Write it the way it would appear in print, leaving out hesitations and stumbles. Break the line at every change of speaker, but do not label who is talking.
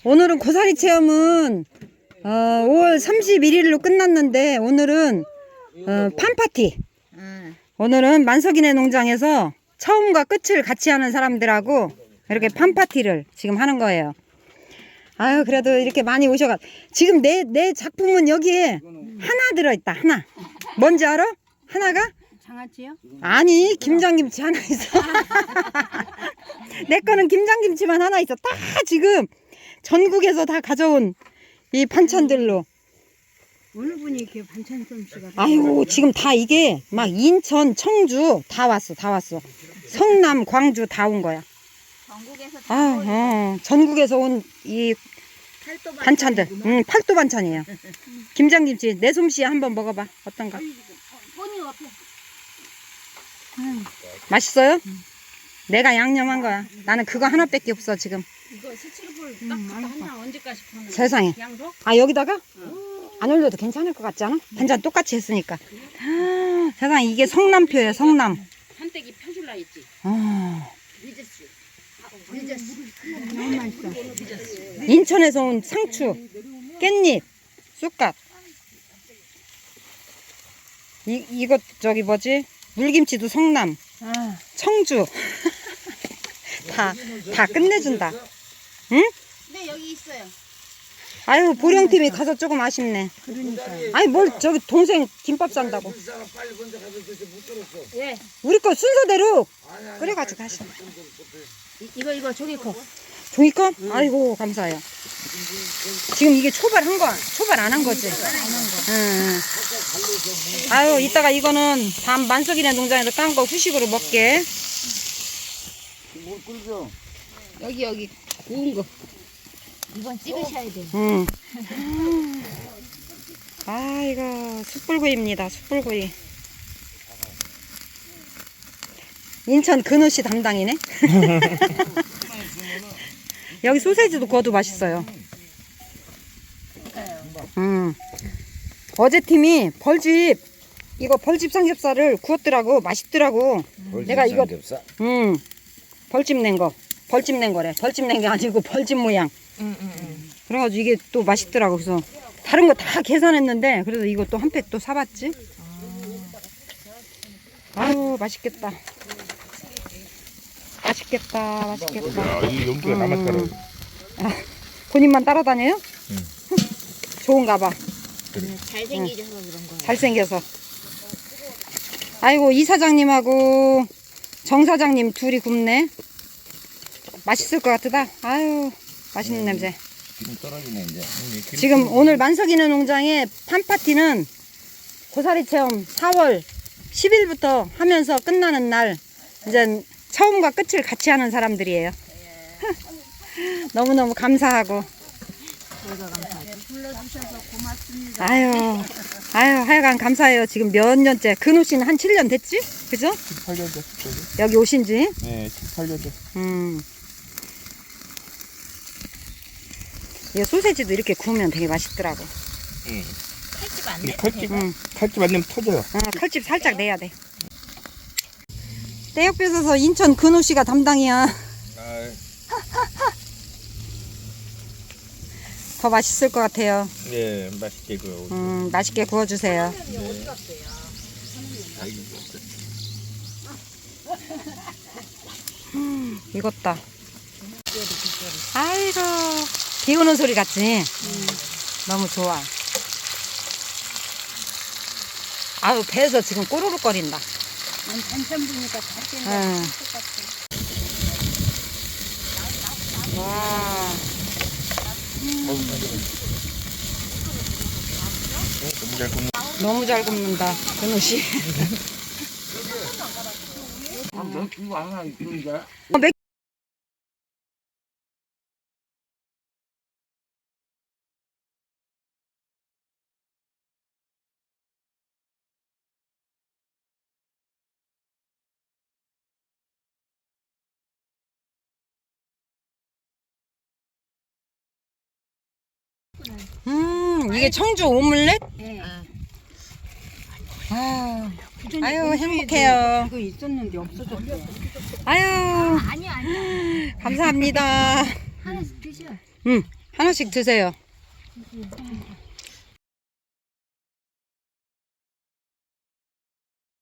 오늘은 고사리 체험은 5월 31일로 끝났는데 오늘은 팜파티. 오늘은 만석이네 농장에서 처음과 끝을 같이 하는 사람들하고 이렇게 팜파티를 지금 하는 거예요. 아유, 그래도 이렇게 많이 오셔가. 지금 내 작품은 여기에 하나 들어있다. 하나. 뭔지 알아? 하나가?
장아찌요?
아니, 김장김치 하나 있어. 내 거는 김장김치만 하나 있어. 다 지금 전국에서 다 가져온 이 반찬들로.
어느 분이 이렇게 반찬 솜씨가.
아유, 지금 다 이게 막 인천, 청주 다 왔어. 다 왔어. 성남, 광주 다 온 거야.
전국에서
전국에서 온 이 반찬들. 팔도 반찬이에요. 김장김치 내 솜씨에 한번 먹어봐. 어떤가?
본이 옆에.
맛있어요? 내가 양념한 거야. 나는 그거 하나밖에 없어 지금.
이거 스치르볼 딱 하나 언제까지 파는 거야?
세상에.
양도?
아, 여기다가 안 올려도 괜찮을 것 같지 않아? 반찬 똑같이 했으니까. 세상에, 이게 성남표예요. 성남.
한때기 펴줄라 했지.
늦었어.
너무 맛있어.
인천에서 온 상추, 깻잎, 쑥갓. 이거 저기 뭐지? 물김치도 성남, 청주. 다 끝내준다. 응?
네, 여기 있어요.
아유, 보령팀이 가서 조금 아쉽네.
그러니까.
아니, 뭘 저기 동생 김밥 산다고.
예.
우리 거 순서대로 끓여가지고 가시네.
이거 저기 거.
종이컵? 아이고, 감사해요. 지금 이게 초발 안 한 거지? 응. 아유, 이따가 이거는 밤 만석이네 농장에서 깐 거 후식으로 먹게.
여기 구운 거. 이건 찍으셔야 돼.
응. 아이고, 숯불구이입니다. 숯불구이. 인천 근우씨 담당이네. 여기 소세지도 구워도 맛있어요. 어제 팀이 이거 벌집 삼겹살을 구웠더라고. 맛있더라고. 내가 이거 벌집 낸 거래. 벌집 낸 게 아니고 벌집 모양. 그래가지고 이게 또 맛있더라고. 그래서 다른 거 다 계산했는데 그래서 이거 또 한 팩 또 사봤지. 아유, 맛있겠다. 맛있겠다.
이 연기가 나만 따라.
본인만 따라다녀요? 좋은가 봐.
잘생기셔서 그런 거.
잘생겨서. 아이고, 이 사장님하고 정 사장님 둘이 굽네. 맛있을 것 같다. 아유, 맛있는 냄새.
지금 떨어지네 이제.
지금 오늘 만석이네 농장의 팜파티는 고사리 체험 4월 10일부터 하면서 끝나는 날, 이제 처음과 끝을 같이 하는 사람들이에요. 너무너무 감사하고.
저희가 감사하죠. 불러주셔서 고맙습니다.
아유, 하여간 감사해요. 지금 몇 년째. 근우 씨는 한 7년 됐지? 그죠?
18년 됐죠.
여기 오신 지?
네, 18년 됐.
이 소세지도 이렇게 구우면 되게 맛있더라고.
칼집 안 돼.
칼집 안 내면 터져요.
칼집 살짝 내야 돼. 떼역 뺏어서 인천 근우 씨가 담당이야. 더 맛있을 것 같아요.
네, 맛있게 구워.
맛있게 구워주세요. 익었다. 아이고, 비 오는 소리 같지? 너무 좋아. 아유, 배에서 지금 꼬르륵 거린다.
반찬 보니까 다
응. 와.
너무 잘 굽는.
너무 잘 굽는다, 근우 씨.
이거 하나 있는데.
이게 청주 오믈렛?
네.
아유, 행복해요.
이거 있었는데 없어졌어.
아유,
아니야.
감사합니다.
하나씩 드셔.
응, 하나씩 드세요.